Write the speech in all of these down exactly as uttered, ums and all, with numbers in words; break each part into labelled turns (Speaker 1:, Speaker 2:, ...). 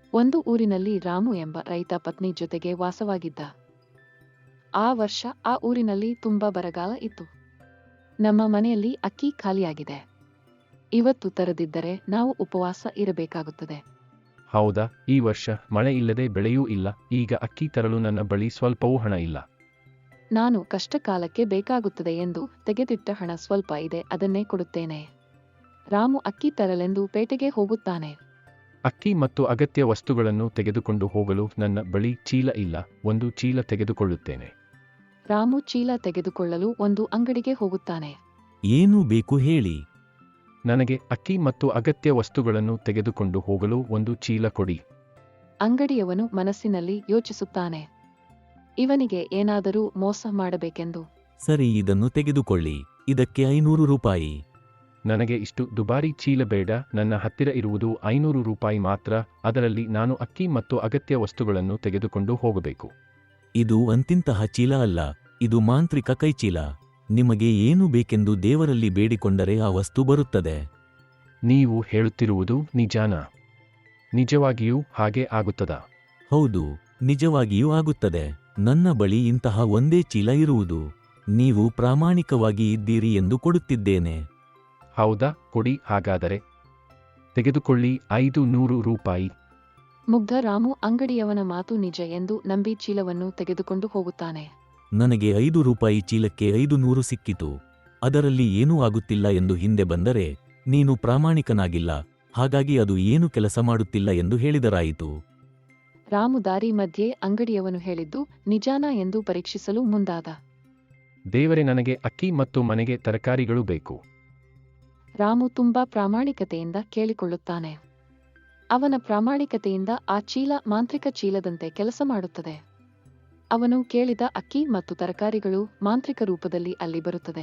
Speaker 1: ಒಂದು ಊರಿನಲ್ಲಿ ರಾಮು ಎಂಬ ರೈತ ಪತ್ನಿ ಜೊತೆಗೆ ವಾಸವಾಗಿದ್ದ. ಆ ವರ್ಷ ಆ ಊರಿನಲ್ಲಿ ತುಂಬಾ ಬರಗಾಲ ಇತ್ತು. ನಮ್ಮ ಮನೆಯಲ್ಲಿ ಅಕ್ಕಿ ಖಾಲಿಯಾಗಿದೆ. ಇವತ್ತು ತರದಿದ್ದರೆ ನಾವು ಉಪವಾಸ ಇರಬೇಕಾಗುತ್ತದೆ.
Speaker 2: ಹೌದಾ, ಈ ವರ್ಷ ಮಳೆ ಇಲ್ಲದೆ ಬೆಳೆಯೂ ಇಲ್ಲ. ಈಗ ಅಕ್ಕಿ ತರಲು ನನ್ನ ಬಳಿ ಸ್ವಲ್ಪವೂ ಹಣ ಇಲ್ಲ.
Speaker 1: ನಾನು ಕಷ್ಟಕಾಲಕ್ಕೆ ಬೇಕಾಗುತ್ತದೆ ಎಂದು ತೆಗೆದಿಟ್ಟ ಹಣ ಸ್ವಲ್ಪ ಇದೆ, ಅದನ್ನೇ ಕೊಡುತ್ತೇನೆ. ರಾಮು ಅಕ್ಕಿ ತರಲೆಂದು ಪೇಟೆಗೆ ಹೋಗುತ್ತಾನೆ.
Speaker 2: ಅಕ್ಕಿ ಮತ್ತು ಅಗತ್ಯ ವಸ್ತುಗಳನ್ನು ತೆಗೆದುಕೊಂಡು ಹೋಗಲು ನನ್ನ ಬಳಿ ಚೀಲ ಇಲ್ಲ. ಒಂದು ಚೀಲ ತೆಗೆದುಕೊಳ್ಳುತ್ತೇನೆ.
Speaker 1: ರಾಮು ಚೀಲ ತೆಗೆದುಕೊಳ್ಳಲು ಒಂದು ಅಂಗಡಿಗೆ ಹೋಗುತ್ತಾನೆ.
Speaker 3: ಏನು ಬೇಕು ಹೇಳಿ.
Speaker 2: ನನಗೆ ಅಕ್ಕಿ ಮತ್ತು ಅಗತ್ಯ ವಸ್ತುಗಳನ್ನು ತೆಗೆದುಕೊಂಡು ಹೋಗಲು ಒಂದು ಚೀಲ ಕೊಡಿ.
Speaker 1: ಅಂಗಡಿಯವನು ಮನಸ್ಸಿನಲ್ಲಿ ಯೋಚಿಸುತ್ತಾನೆ, ಇವನಿಗೆ ಏನಾದರೂ ಮೋಸ ಮಾಡಬೇಕೆಂದು.
Speaker 3: ಸರಿ, ಇದನ್ನು ತೆಗೆದುಕೊಳ್ಳಿ. ಇದಕ್ಕೆ ಐನೂರು ರೂಪಾಯಿ.
Speaker 2: ನನಗೆ ಇಷ್ಟು ದುಬಾರಿ ಚೀಲ ಬೇಡ. ನನ್ನ ಹತ್ತಿರ ಇರುವುದು ಐನೂರು ರೂಪಾಯಿ ಮಾತ್ರ. ಅದರಲ್ಲಿ ನಾನು ಅಕ್ಕಿ ಮತ್ತು ಅಗತ್ಯ ವಸ್ತುಗಳನ್ನು ತೆಗೆದುಕೊಂಡು ಹೋಗಬೇಕು.
Speaker 3: ಇದು ಅಂತಿಂತಹ ಚೀಲ ಅಲ್ಲ, ಇದು ಮಾಂತ್ರಿಕ ಕೈಚೀಲ. ನಿಮಗೆ ಏನು ಬೇಕೆಂದು ದೇವರಲ್ಲಿ ಬೇಡಿಕೊಂಡರೆ ಆ ವಸ್ತು ಬರುತ್ತದೆ.
Speaker 2: ನೀವು ಹೇಳುತ್ತಿರುವುದು ನಿಜಾನಾ? ನಿಜವಾಗಿಯೂ ಹಾಗೆ ಆಗುತ್ತದಾ?
Speaker 3: ಹೌದು, ನಿಜವಾಗಿಯೂ ಆಗುತ್ತದೆ. ನನ್ನ ಬಳಿ ಇಂತಹ ಒಂದೇ ಚೀಲ ಇರುವುದು. ನೀವು ಪ್ರಾಮಾಣಿಕವಾಗಿ ಇದ್ದೀರಿ ಎಂದು ಕೊಡುತ್ತಿದ್ದೇನೆ.
Speaker 2: ಹೌದಾ, ಕೊಡಿ ಹಾಗಾದರೆ. ತೆಗೆದುಕೊಳ್ಳಿ, ಐದು ನೂರು ರೂಪಾಯಿ.
Speaker 1: ಮುಗ್ಧ ರಾಮು ಅಂಗಡಿಯವನ ಮಾತು ನಿಜ ಎಂದು ನಂಬಿ ಚೀಲವನ್ನು ತೆಗೆದುಕೊಂಡು ಹೋಗುತ್ತಾನೆ.
Speaker 3: ನನಗೆ ಐದು ರೂಪಾಯಿ ಚೀಲಕ್ಕೆ ಐದು ನೂರು ಸಿಕ್ಕಿತು. ಅದರಲ್ಲಿ ಏನೂ ಆಗುತ್ತಿಲ್ಲ ಎಂದು ಹಿಂದೆ ಬಂದರೆ ನೀನು ಪ್ರಾಮಾಣಿಕನಾಗಿಲ್ಲ, ಹಾಗಾಗಿ ಅದು ಏನು ಕೆಲಸ ಮಾಡುತ್ತಿಲ್ಲ ಎಂದು ಹೇಳಿದರಾಯಿತು.
Speaker 1: ರಾಮು ದಾರಿ ಮಧ್ಯೆ ಅಂಗಡಿಯವನು ಹೇಳಿದ್ದು ನಿಜಾನಾ ಎಂದು ಪರೀಕ್ಷಿಸಲು ಮುಂದಾದ.
Speaker 2: ದೇವರೇ, ನನಗೆ ಅಕ್ಕಿ ಮತ್ತು ಮನೆಗೆ ತರಕಾರಿಗಳು ಬೇಕು.
Speaker 1: ರಾಮು ತುಂಬಾ ಪ್ರಾಮಾಣಿಕತೆಯಿಂದ ಕೇಳಿಕೊಳ್ಳುತ್ತಾನೆ. ಅವನ ಪ್ರಾಮಾಣಿಕತೆಯಿಂದ ಆ ಚೀಲ ಮಾಂತ್ರಿಕ ಚೀಲದಂತೆ ಕೆಲಸ ಮಾಡುತ್ತದೆ. ಅವನು ಕೇಳಿದ ಅಕ್ಕಿ ಮತ್ತು ತರಕಾರಿಗಳು ಮಾಂತ್ರಿಕ ರೂಪದಲ್ಲಿ ಅಲ್ಲಿ ಬರುತ್ತದೆ.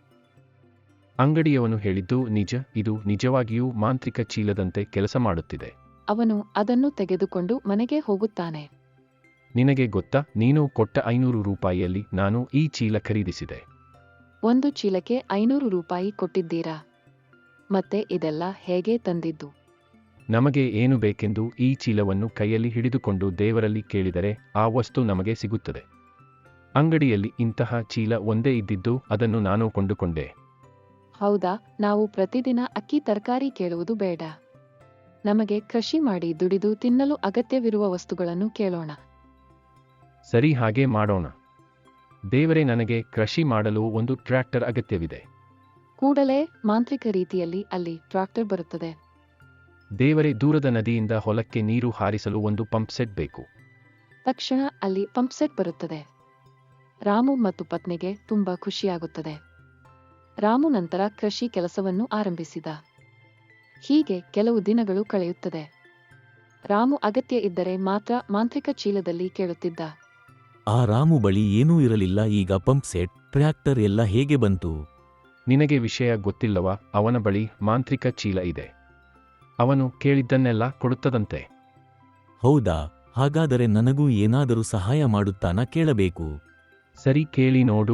Speaker 2: ಅಂಗಡಿಯವನು ಹೇಳಿದ್ದು ನಿಜ. ಇದು ನಿಜವಾಗಿಯೂ ಮಾಂತ್ರಿಕ ಚೀಲದಂತೆ ಕೆಲಸ ಮಾಡುತ್ತಿದೆ.
Speaker 1: ಅವನು ಅದನ್ನು ತೆಗೆದುಕೊಂಡು ಮನೆಗೆ ಹೋಗುತ್ತಾನೆ.
Speaker 2: ನಿನಗೆ ಗೊತ್ತಾ, ನೀನು ಕೊಟ್ಟ ಐನೂರು ರೂಪಾಯಿಯಲ್ಲಿ ನಾನು ಈ ಚೀಲ ಖರೀದಿಸಿದೆ.
Speaker 1: ಒಂದು ಚೀಲಕ್ಕೆ ಐನೂರು ರೂಪಾಯಿ ಕೊಟ್ಟಿದ್ದೀರಾ? ಮತ್ತೆ ಇದೆಲ್ಲ ಹೇಗೆ ತಂದಿದ್ದು?
Speaker 2: ನಮಗೆ ಏನು ಬೇಕೆಂದು ಈ ಚೀಲವನ್ನು ಕೈಯಲ್ಲಿ ಹಿಡಿದುಕೊಂಡು ದೇವರಲ್ಲಿ ಕೇಳಿದರೆ ಆ ವಸ್ತು ನಮಗೆ ಸಿಗುತ್ತದೆ. ಅಂಗಡಿಯಲ್ಲಿ ಇಂತಹ ಚೀಲ ಒಂದೇ ಇದ್ದಿದ್ದು, ಅದನ್ನು ನಾನು ಕೊಂಡುಕೊಂಡೆ.
Speaker 1: ಹೌದಾ, ನಾವು ಪ್ರತಿದಿನ ಅಕ್ಕಿ ತರಕಾರಿ ಕೇಳುವುದು ಬೇಡ. ನಮಗೆ ಕೃಷಿ ಮಾಡಿ ದುಡಿದು ತಿನ್ನಲು ಅಗತ್ಯವಿರುವ ವಸ್ತುಗಳನ್ನು ಕೇಳೋಣ.
Speaker 2: ಸರಿ, ಹಾಗೆ ಮಾಡೋಣ. ದೇವರೇ, ನನಗೆ ಕೃಷಿ ಮಾಡಲು ಒಂದು ಟ್ರ್ಯಾಕ್ಟರ್ ಅಗತ್ಯವಿದೆ.
Speaker 1: ಕೂಡಲೇ ಮಾಂತ್ರಿಕ ರೀತಿಯಲ್ಲಿ ಅಲ್ಲಿ ಟ್ರಾಕ್ಟರ್ ಬರುತ್ತದೆ.
Speaker 2: ದೇವರೇ, ದೂರದ ನದಿಯಿಂದ ಹೊಲಕ್ಕೆ ನೀರು ಹಾರಿಸಲು ಒಂದು ಪಂಪ್ ಸೆಟ್ ಬೇಕು.
Speaker 1: ತಕ್ಷಣ ಅಲ್ಲಿ ಪಂಪ್ ಸೆಟ್ ಬರುತ್ತದೆ. ರಾಮು ಮತ್ತು ಪತ್ನಿಗೆ ತುಂಬಾ ಖುಷಿಯಾಗುತ್ತದೆ. ರಾಮು ನಂತರ ಕೃಷಿ ಕೆಲಸವನ್ನು ಆರಂಭಿಸಿದ. ಹೀಗೆ ಕೆಲವು ದಿನಗಳು ಕಳೆಯುತ್ತದೆ. ರಾಮು ಅಗತ್ಯ ಇದ್ದರೆ ಮಾತ್ರ ಮಾಂತ್ರಿಕ ಚೀಲದಲ್ಲಿ ಕೇಳುತ್ತಿದ್ದ.
Speaker 3: ಆ ರಾಮು ಬಳಿ ಏನೂ ಇರಲಿಲ್ಲ. ಈಗ ಪಂಪ್ ಸೆಟ್, ಟ್ರ್ಯಾಕ್ಟರ್ ಎಲ್ಲ ಹೇಗೆ ಬಂತು?
Speaker 2: ನಿನಗೆ ವಿಷಯ ಗೊತ್ತಿಲ್ಲವಾ? ಅವನ ಬಳಿ ಮಾಂತ್ರಿಕ ಚೀಲ ಇದೆ. ಅವನು ಕೇಳಿದ್ದನ್ನೆಲ್ಲ ಕೊಡುತ್ತದಂತೆ.
Speaker 3: ಹೌದಾ, ಹಾಗಾದರೆ ನನಗೂ ಏನಾದರೂ ಸಹಾಯ ಮಾಡುತ್ತಾನಾ ಕೇಳಬೇಕು.
Speaker 2: ಸರಿ, ಕೇಳಿ ನೋಡು.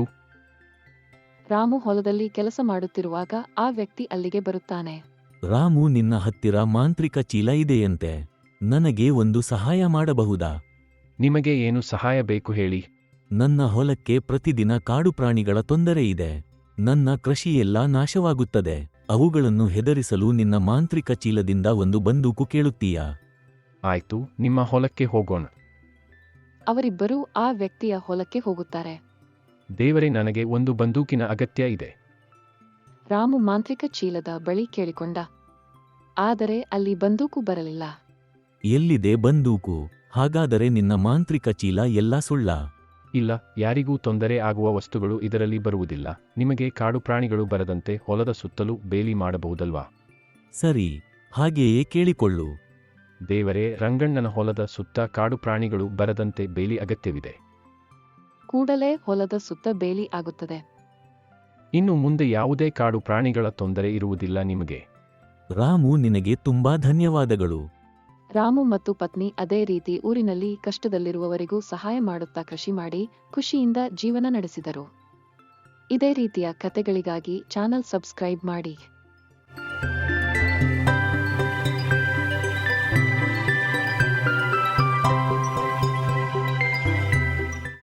Speaker 1: ರಾಮು ಹೊಲದಲ್ಲಿ ಕೆಲಸ ಮಾಡುತ್ತಿರುವಾಗ ಆ ವ್ಯಕ್ತಿ ಅಲ್ಲಿಗೆ ಬರುತ್ತಾನೆ.
Speaker 3: ರಾಮು, ನಿನ್ನ ಹತ್ತಿರ ಮಾಂತ್ರಿಕ ಚೀಲ ಇದೆಯಂತೆ. ನನಗೆ ಒಂದು ಸಹಾಯ ಮಾಡಬಹುದಾ?
Speaker 2: ನಿಮಗೆ ಏನು ಸಹಾಯ ಬೇಕು ಹೇಳಿ.
Speaker 3: ನನ್ನ ಹೊಲಕ್ಕೆ ಪ್ರತಿದಿನ ಕಾಡು ಪ್ರಾಣಿಗಳ ತೊಂದರೆ ಇದೆ. ನನ್ನ ಕೃಷಿಯೆಲ್ಲ ನಾಶವಾಗುತ್ತದೆ. ಅವುಗಳನ್ನು ಹೆದರಿಸಲು ನಿನ್ನ ಮಾಂತ್ರಿಕ ಚೀಲದಿಂದ ಒಂದು ಬಂದೂಕು ಕೇಳುತ್ತೀಯಾ?
Speaker 2: ಆಯ್ತು, ನಿಮ್ಮ ಹೊಲಕ್ಕೆ ಹೋಗೋಣ.
Speaker 1: ಅವರಿಬ್ಬರೂ ಆ ವ್ಯಕ್ತಿಯ ಹೊಲಕ್ಕೆ ಹೋಗುತ್ತಾರೆ.
Speaker 2: ದೇವರೇ, ನನಗೆ ಒಂದು ಬಂದೂಕಿನ ಅಗತ್ಯ ಇದೆ.
Speaker 1: ರಾಮು ಮಾಂತ್ರಿಕ ಚೀಲದ ಬಳಿ ಕೇಳಿಕೊಂಡ. ಆದರೆ ಅಲ್ಲಿ ಬಂದೂಕು ಬರಲಿಲ್ಲ.
Speaker 3: ಎಲ್ಲಿದೆ ಬಂದೂಕು? ಹಾಗಾದರೆ ನಿನ್ನ ಮಾಂತ್ರಿಕ ಚೀಲ ಎಲ್ಲ ಸುಳ್ಳ?
Speaker 2: ಇಲ್ಲ, ಯಾರಿಗೂ ತೊಂದರೆ ಆಗುವ ವಸ್ತುಗಳು ಇದರಲ್ಲಿ ಬರುವುದಿಲ್ಲ. ನಿಮಗೆ ಕಾಡು ಪ್ರಾಣಿಗಳು ಬರದಂತೆ ಹೊಲದ ಸುತ್ತಲೂ ಬೇಲಿ ಮಾಡಬಹುದಲ್ವಾ?
Speaker 3: ಸರಿ, ಹಾಗೆಯೇ ಕೇಳಿಕೊಳ್ಳು.
Speaker 2: ದೇವರೇ, ರಂಗಣ್ಣನ ಹೊಲದ ಸುತ್ತ ಕಾಡು ಪ್ರಾಣಿಗಳು ಬರದಂತೆ ಬೇಲಿ ಅಗತ್ಯವಿದೆ.
Speaker 1: ಕೂಡಲೇ ಹೊಲದ ಸುತ್ತ ಬೇಲಿ ಆಗುತ್ತದೆ.
Speaker 2: ಇನ್ನು ಮುಂದೆ ಯಾವುದೇ ಕಾಡು ಪ್ರಾಣಿಗಳ ತೊಂದರೆ ಇರುವುದಿಲ್ಲ ನಿಮಗೆ.
Speaker 3: ರಾಮು, ನಿನಗೆ ತುಂಬಾ ಧನ್ಯವಾದಗಳು.
Speaker 1: ರಾಮು ಮತ್ತು ಪತ್ನಿ ಅದೇ ರೀತಿ ಊರಿನಲ್ಲಿ ಕಷ್ಟದಲ್ಲಿರುವವರಿಗೂ ಸಹಾಯ ಮಾಡುತ್ತಾ ಕೃಷಿ ಮಾಡಿ ಖುಷಿಯಿಂದ ಜೀವನ ನಡೆಸಿದರು. ಇದೇ ರೀತಿಯ ಕಥೆಗಳಿಗಾಗಿ ಚಾನಲ್ ಸಬ್ಸ್ಕ್ರೈಬ್ ಮಾಡಿ.